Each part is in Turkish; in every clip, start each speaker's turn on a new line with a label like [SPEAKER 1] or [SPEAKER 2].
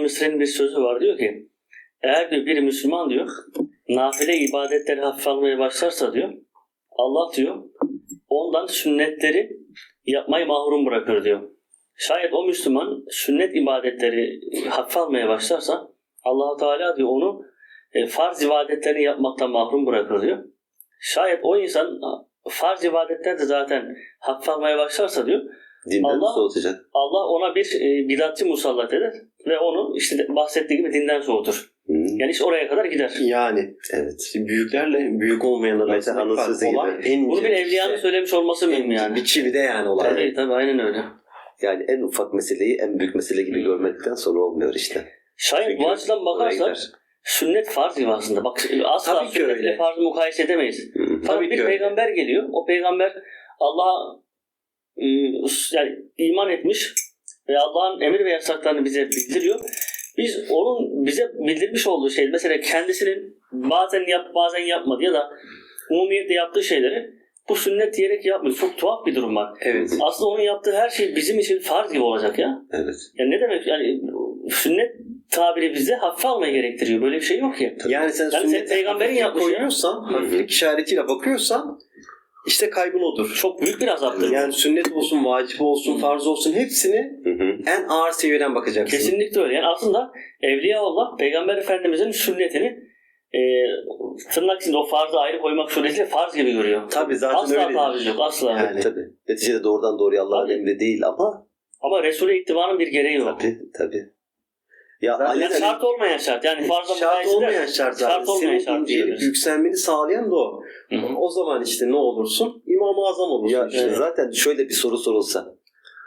[SPEAKER 1] Mısri'nin bir sözü var, diyor ki eğer diyor bir Müslüman diyor nafile ibadetleri hafife almaya başlarsa diyor Allah diyor ondan sünnetleri yapmayı mahrum bırakır diyor. Şayet o Müslüman sünnet ibadetleri hafife almaya başlarsa Allah-u Teala diyor onu farz ibadetlerini yapmaktan mahrum bırakır diyor. Şayet o insan farz ibadetler de zaten hafife almaya başlarsa diyor
[SPEAKER 2] Dinden soğutacak.
[SPEAKER 1] Allah ona bir bidatçı musallat eder ve onu işte bahsettiği gibi dinden soğutur. Yani iş oraya kadar gider.
[SPEAKER 3] Yani
[SPEAKER 2] evet.
[SPEAKER 3] Büyüklerle büyük olmayanlar
[SPEAKER 2] Mesela
[SPEAKER 3] arasında
[SPEAKER 2] anın sözü
[SPEAKER 3] olay
[SPEAKER 2] gibi.
[SPEAKER 3] en
[SPEAKER 1] Bunu
[SPEAKER 3] ince
[SPEAKER 1] bir evliyanın söylemiş olması mühim yani.
[SPEAKER 3] bir çivide yani olay.
[SPEAKER 1] Tabii aynen öyle.
[SPEAKER 2] Yani en ufak meseleyi en büyük mesele gibi görmekten sonra olmuyor işte.
[SPEAKER 1] Şayet
[SPEAKER 3] Çünkü
[SPEAKER 1] bu açıdan bakarsak sünnet farz gibi aslında. Bak asla
[SPEAKER 3] Tabii ki
[SPEAKER 1] sünnetle
[SPEAKER 3] öyle.
[SPEAKER 1] farzı mukayese edemeyiz. Fakat
[SPEAKER 3] Tabii
[SPEAKER 1] bir
[SPEAKER 3] ki
[SPEAKER 1] peygamber geliyor. O peygamber Allah'a yani iman etmiş ve Allah'ın emir ve yasaklarını bize bildiriyor. Biz onun bize bildirmiş olduğu şey mesela kendisinin bazen yapmadı ya da umumiyetle yaptığı şeyleri bu sünnet diyerek yapmıyor. Çok tuhaf bir durum var.
[SPEAKER 3] Evet.
[SPEAKER 1] Aslında onun yaptığı her şey bizim için farz gibi olacak ya.
[SPEAKER 2] Evet.
[SPEAKER 1] Yani ne demek yani sünnet tabiri bize hafife almayı gerektiriyor. Böyle bir şey yok ki.
[SPEAKER 3] Yani sen sünnete
[SPEAKER 1] peygamberin
[SPEAKER 3] hafiflik
[SPEAKER 1] yapmış
[SPEAKER 3] koyuyorsan, hafiflik işaretiyle bakıyorsan işte kaybın odur.
[SPEAKER 1] Çok büyük bir azaptır.
[SPEAKER 3] Yani sünnet olsun, vacip olsun, farz olsun hepsini en ağır seviyeden bakacaksın.
[SPEAKER 1] Kesinlikle öyle. Yani aslında Evliyaullah Peygamber Efendimiz'in sünnetini tırnak içinde o farzı ayrı koymak suretiyle farz gibi görüyor.
[SPEAKER 3] Tabii zaten
[SPEAKER 1] asla
[SPEAKER 3] öyledir.
[SPEAKER 1] taviz yok. Asla.
[SPEAKER 3] Yani.
[SPEAKER 2] Tabii. Neticede doğrudan doğruya Allah'ın emri değil
[SPEAKER 1] Ama Resul'e ittibanın bir gereği yok.
[SPEAKER 2] Tabii. Ya
[SPEAKER 1] Yani şart olmayan şart. Yani farzda
[SPEAKER 3] şart olmayan şart zaten.
[SPEAKER 1] Şart olmayan
[SPEAKER 3] Senin
[SPEAKER 1] şart
[SPEAKER 3] incelip
[SPEAKER 1] diyoruz.
[SPEAKER 3] yükselmeni sağlayan da o.
[SPEAKER 1] Hı-hı.
[SPEAKER 3] O zaman işte ne olursun? İmam-ı Azam olursun.
[SPEAKER 2] Ya
[SPEAKER 3] işte.
[SPEAKER 2] zaten şöyle bir soru sorulsa.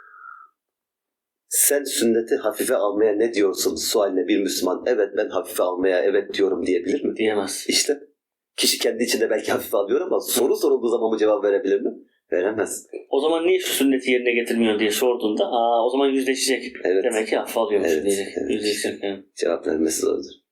[SPEAKER 2] Sen sünneti hafife almaya ne diyorsun sualine bir Müslüman? Evet ben hafife almaya evet diyorum diyebilir mi?
[SPEAKER 1] Diyemez.
[SPEAKER 2] İşte kişi kendi içinde belki hafife alıyor ama soru sorulduğu zaman mı cevap verebilir mi? Veremez.
[SPEAKER 1] O zaman niye şu sünneti yerine getirmiyor diye sorduğunda o zaman yüzleşecek.
[SPEAKER 2] Evet.
[SPEAKER 1] Demek ki hafife alıyormuş
[SPEAKER 2] Evet,
[SPEAKER 1] diyecek.
[SPEAKER 2] evet.
[SPEAKER 1] Yüzleşecek. Yani.
[SPEAKER 2] Cevap vermesi zordur.